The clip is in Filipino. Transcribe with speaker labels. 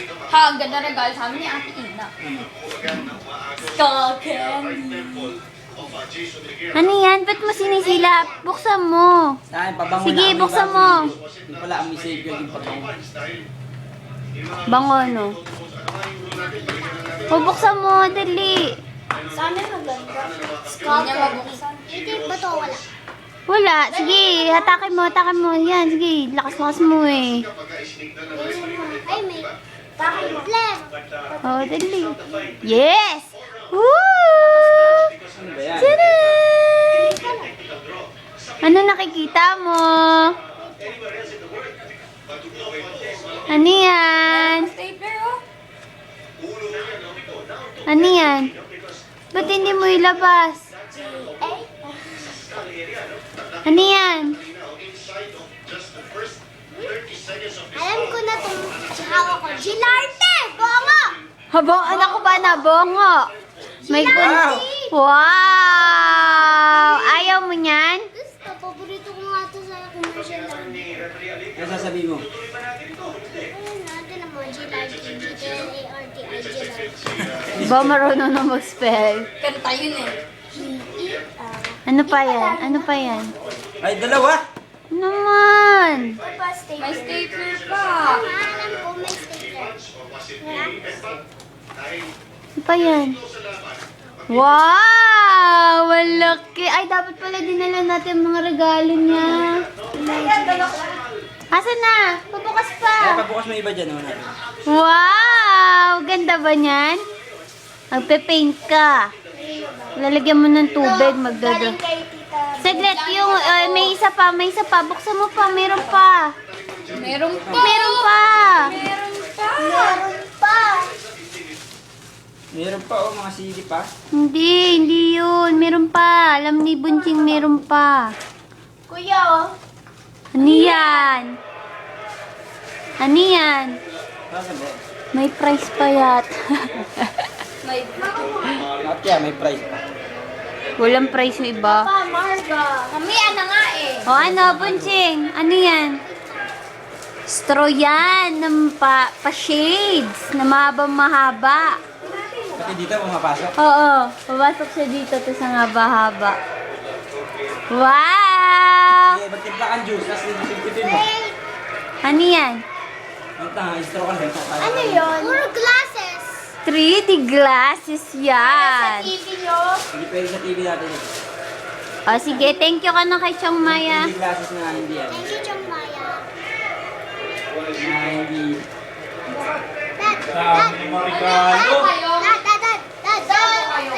Speaker 1: Ha, ang ganda regalo sa amin ni Ate Ina. Skull candy.
Speaker 2: Ano yan? Ba't mo sinisilap? Buksan mo.
Speaker 3: Saan? Pabango
Speaker 2: Sige,
Speaker 3: na.
Speaker 2: buksan mo.
Speaker 3: Yung pala, ang message ko yung pabango.
Speaker 2: Bango, no? O, buksan mo. Dali.
Speaker 1: Sa amin maganda. Skull candy.
Speaker 4: Hindi ba to wala?
Speaker 2: Wala. Sige, hatakin mo, hatakin mo. Yan, sige. Lakas-lakas mo eh.
Speaker 4: Ay, may flame.
Speaker 2: Oh, dali. Yes! Woo!
Speaker 3: Ano ba yan?
Speaker 2: Tada! Ano nakikita mo? Ano yan?
Speaker 1: Stapler, oh.
Speaker 2: Ano yan? Ba't hindi mo ilabas? Ano yan?
Speaker 4: Alam ko na itong hawak ko. Gilarte! Bongo!
Speaker 2: Habo, anak ko ba na bongo? May
Speaker 3: Wow!
Speaker 2: Wow! Ayaw mo niyan?
Speaker 4: Gusto, paborito ko nga ito sa commercial lang.
Speaker 3: Ano sasabihin mo?
Speaker 4: Ayun natin naman, Gilarte. G-L-A-R-T-I, Gilarte.
Speaker 2: Ba marunong na mag-spell?
Speaker 1: Kanta yun eh.
Speaker 2: Ano pa yan? Ano pa yan?
Speaker 3: Ay, dalawa!
Speaker 2: Naman!
Speaker 1: May stapler pa.
Speaker 4: Alam ko, may stapler. Wala?
Speaker 2: Ano pa yan? Wow! Malaki! Ay, dapat pala dinala natin ang mga regalo niya. Asan na? Pabukas
Speaker 3: Kaya
Speaker 2: pa!
Speaker 3: pabukas mo iba dyan, naman natin.
Speaker 2: Wow! Ganda ba niyan? Magpe-paint ka. Lalagyan mo ng tubig, magdado.
Speaker 4: Kay Tita.
Speaker 2: Saglit, yung may isa pa, may isa pa. Buksan mo pa, meron pa.
Speaker 1: Meron pa.
Speaker 2: Meron pa.
Speaker 1: Meron pa.
Speaker 4: Meron pa.
Speaker 3: Meron pa, oh, mga CD pa.
Speaker 2: Hindi yun. Meron pa. Alam ni Bunching meron pa.
Speaker 4: Kuya, oh.
Speaker 2: Ano yan? Ano yan?
Speaker 3: Saan ba?
Speaker 2: May price pa yat.
Speaker 1: May
Speaker 3: Not yan, may price pa.
Speaker 2: Walang price yung iba.
Speaker 4: Pa, Marga.
Speaker 1: Mamaya na nga eh.
Speaker 2: O ano, Bunching? Ano yan? Straw yan. Ng pa-shades. Na mahaba-mahaba.
Speaker 3: Pati dito, pumapasok.
Speaker 2: Oo. Papasok siya dito. Tapos ang haba-haba. Wow!
Speaker 3: Sige, magtimpla kang juice, tapos sipsipin mo.
Speaker 2: Ano yan?
Speaker 3: Ang tanga, straw ka lang.
Speaker 4: Ano yun? Puro glasses.
Speaker 2: 3D glasses yan.
Speaker 4: TV nyo.
Speaker 3: Hindi pwede sa TV natin yun.
Speaker 2: O sige, thank you ka na kay Chong Maya.
Speaker 3: Hindi glasses na hindi yan.
Speaker 4: Thank you, Chong Maya.
Speaker 3: Na hindi...
Speaker 4: Dad, Dad,